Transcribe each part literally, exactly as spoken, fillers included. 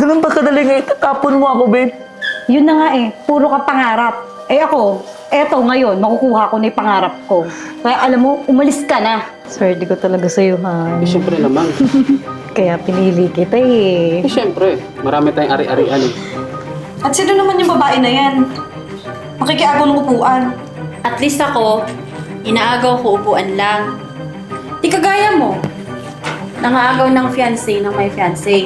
Ganun ba kadali nga itatapon mo ako, babe? Yun na nga eh, puro ka pangarap. Eh ako, eto ngayon, makukuha ko na yung pangarap ko. Kaya alam mo, umalis ka na. Swerte ko talaga sa'yo, ha? Eh, syempre naman. Kaya pinili kita eh. Eh, syempre. Marami tayong ari-arian eh. At sino naman yung babae na yan? Makikiagaw ng upuan. At least ako, inaagaw ko upuan lang. Di kagaya mo, nangaagaw ng fiancé ng may fiancé.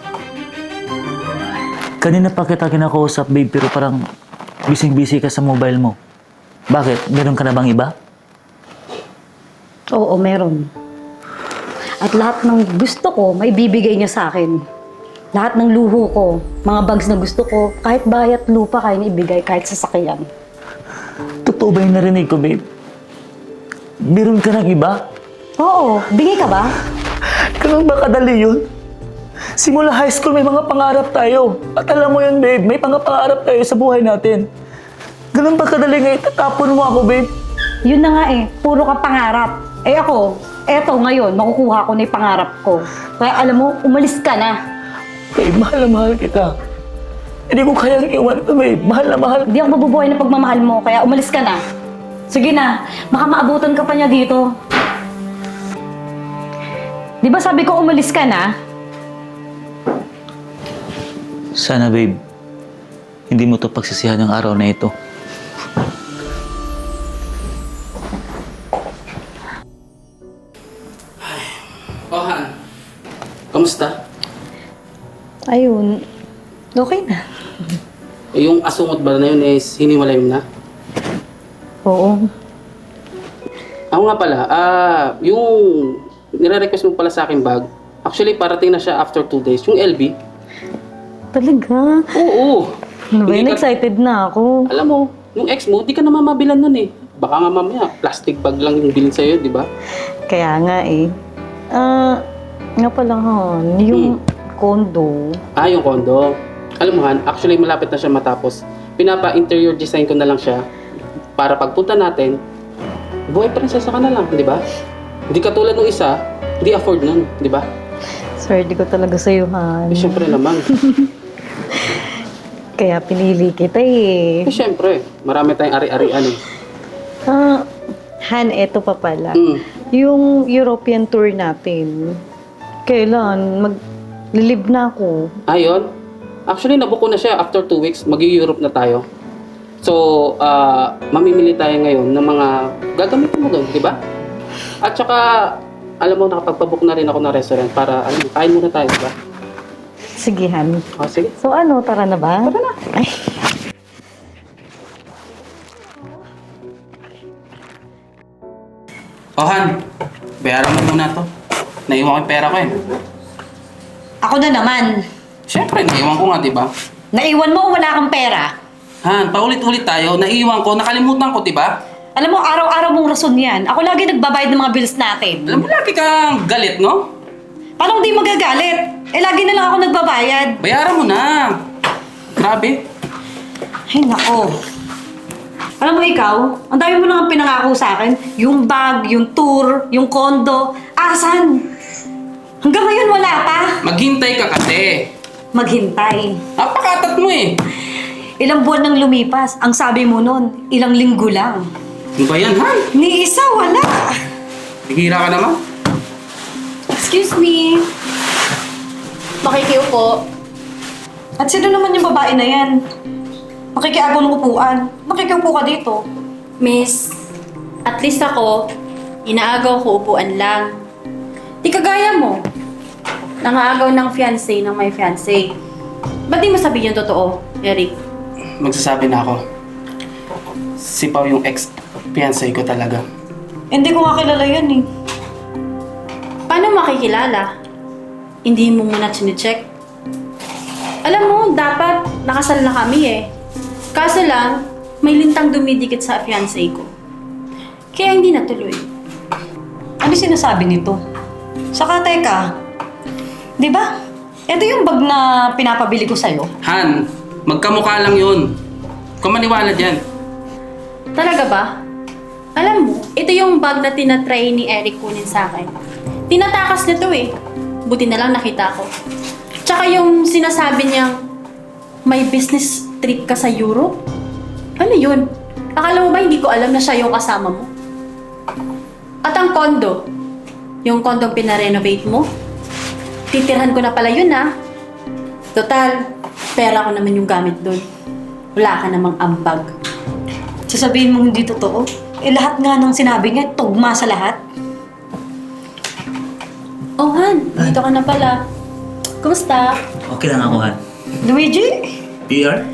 Kanina pa kita kinakausap, babe, pero parang busy-busy ka sa mobile mo. Bakit? Meron ka na bang iba? Oo, meron. At lahat ng gusto ko, may bibigay niya sa akin. Lahat ng luho ko, mga bags na gusto ko, kahit bayat lupa kaya niya ibigay, kahit sasakyan. Totoo ba yung narinig ko, babe? Meron ka ng iba? Oo, bingi ka ba? Ganun ba kadali yun? Simula high school, may mga pangarap tayo. At alam mo yun, babe, may mga pangarap tayo sa buhay natin. Ganun ba kadali nga itatapon mo ako, babe? Yun na nga eh, puro ka pangarap. Eh ako, eto ngayon, makukuha ko na yung pangarap ko. Kaya alam mo, umalis ka na. Babe, mahal na mahal kita. Hindi ko kayang iwan ka, babe. Mahal na mahal. Hindi ako mabubuhay ng pagmamahal mo, kaya umalis ka na. Sige na, baka maabutan ka pa niya dito. Di ba sabi ko umalis ka na? Sana, babe, hindi mo to pagsisihan ng araw na ito. Oh, Han. Kamusta? Ayun, okay na. Eh, yung asungot ba na yun is hiniwalay mo na? Oo. Ako nga pala, ah, yung nire-request mo pala sa akin bag, actually parating na siya after two days. Yung L B. Talaga? Oo. Ano ba Hindi yun? ka- Excited na ako. Alam mo, yung ex mo, di ka naman mabilan nun eh. Baka nga mamaya, plastic bag lang yung bilhin sa'yo, di ba? Kaya nga eh. Ah, nga pala Han, yung condo. Ah, yung condo. Alam mo Han, actually malapit na siya matapos. Pinapa-interior design ko na lang siya para pagpunta natin, buhay prinsesa ka na lang, di ba? Hindi katulad ng isa, hindi afford nun, di ba? Swerte ko talaga sa'yo, Han. Eh, syempre naman. Kaya pinili kita eh. Eh, syempre, marami tayong ari-arian eh. Ah, Han, eto pa pala. Mm. Yung European tour natin, kailan? Mag-live na ako. Ayun. Actually, nabuko na siya after two weeks. Mag-Europe na tayo. So, ah, mamimili tayo ngayon ng mga gagamitin mo doon, di ba? At saka, alam mo, nakapagpabook na rin ako ng restaurant para, alam mo, kain muna tayo, di ba? Sige, Han. Oh, sige. So ano, tara na ba? Tara na. Ay. Oh, Han. Bayaran mo muna to. Naiwan ko yung pera ko eh. Ako na naman. Siyempre, naiwan ko nga, di ba? Naiwan mo, wala kang pera. Han, paulit-ulit tayo. Naiwan ko, nakalimutan ko, di ba? Alam mo, araw-araw mong rason yan. Ako lagi nagbabayad ng mga bills natin. Alam mo, lagi kang galit, no? Paano hindi magagalit? Eh, lagi na lang ako nagbabayad. Bayaran mo na. Grabe. Ay, nako. Alam mo ikaw, ang dami mo nang pinangako sa akin. Yung bag, yung tour, yung condo. Asan? Hanggang ngayon wala pa. Maghintay ka kasi. Maghintay. Napakatat mo eh. Ilang buwan nang lumipas. Ang sabi mo nun, ilang linggo lang. Ano ba yan, Han? Ni isa, wala. Bihira ka naman. Excuse me. Makikiupo. At sino naman yung babae na yan? Makikiagaw ng upuan. Makikiupo ka dito. Miss, at least ako, inaagaw ko upuan lang. Di kagaya mo, nangaagaw ng fiancé ng may fiancé. Ba't di mo sabihin yung totoo, Eric? Magsasabi na ako. Si Pao yung ex-fiancé ko talaga. Hindi ko nga kilala yan eh. Paano makikilala? Hindi mo muna chinecheck? Alam mo, dapat nakasal na kami eh. Kaso lang, may lintang dumidikit sa fiancé ko. Kaya hindi natuloy. Ano sinasabi nito? Saka teka, di ba? Ito yung bag na pinapabili ko sa'yo. Han, magkamukha lang yun. Kung maniwala dyan. Talaga ba? Alam mo, ito yung bag na tinatry ni Eric kunin sa akin. Tinatakas na to eh. Buti na lang nakita ko. Tsaka yung sinasabi niyang may business trip ka sa Europe? Ano yun? Akala mo ba hindi ko alam na siya yung kasama mo? At ang kondo, yung kondong pinarenovate mo, titirhan ko na pala yun ah. Total, pera ko naman yung gamit doon. Wala ka namang ambag. Sasabihin mo hindi totoo? Eh lahat nga ng sinabi niya, tugma sa lahat. Oh Han, dito ka na pala. Kumusta? Okay lang ako, Han. Luigi? P R?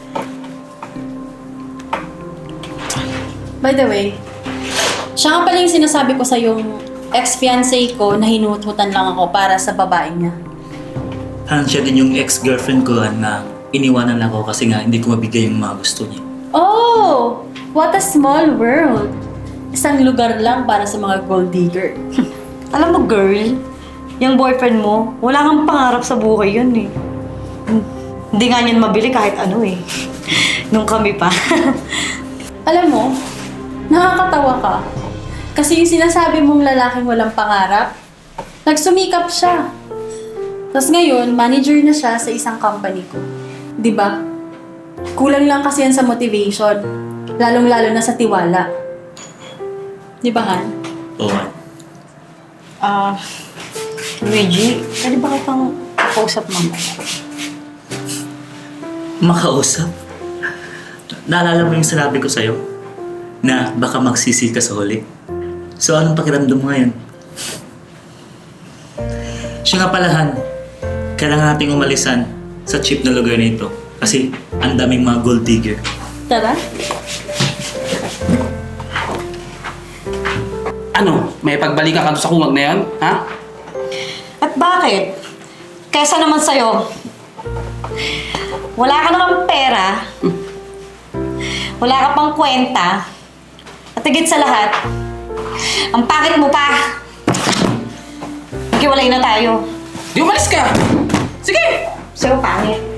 By the way, siya nga pala yung sinasabi ko sa yung ex-fiancé ko na hinututan lang ako para sa babae niya. Han, siya din yung ex-girlfriend ko, Han, na iniwanan lang ako kasi nga hindi ko mabigay yung mga gusto niya. Oh! What a small world! Isang lugar lang para sa mga gold digger. Alam mo, girl, yung boyfriend mo, wala kang pangarap sa buhay yun eh. Hindi nga niyan mabili kahit ano eh. Nung kami pa. Alam mo, nakakatawa ka. Kasi yung sinasabi mong lalaking walang pangarap, nagsumikap siya. Tapos ngayon, manager na siya sa isang company ko. Di ba? Kulang lang kasi yan sa motivation. Lalong-lalo na sa tiwala. Di ba, Han? Oo, Han. Ah, Luigi, pwede ba kitang kausap mamaya? Makausap? Naalala mo yung sinabi ko sa'yo? Na baka magsisi ka sa huli? So, anong pakiramdam mo ngayon? Siya nga pala, Han. Kailangan nating umalisan sa cheap na lugar na ito. Kasi ang daming mga gold digger. Tara? Ano? May pagbalikan ka doon sa kumag na yan? Ha? At bakit? Kesa naman sa'yo, wala ka namang pera, wala ka pang kwenta, at higit sa lahat, ang pangit mo pa. Maghiwalay na tayo. Di umalis ka! Sige! Sa'yo pangit.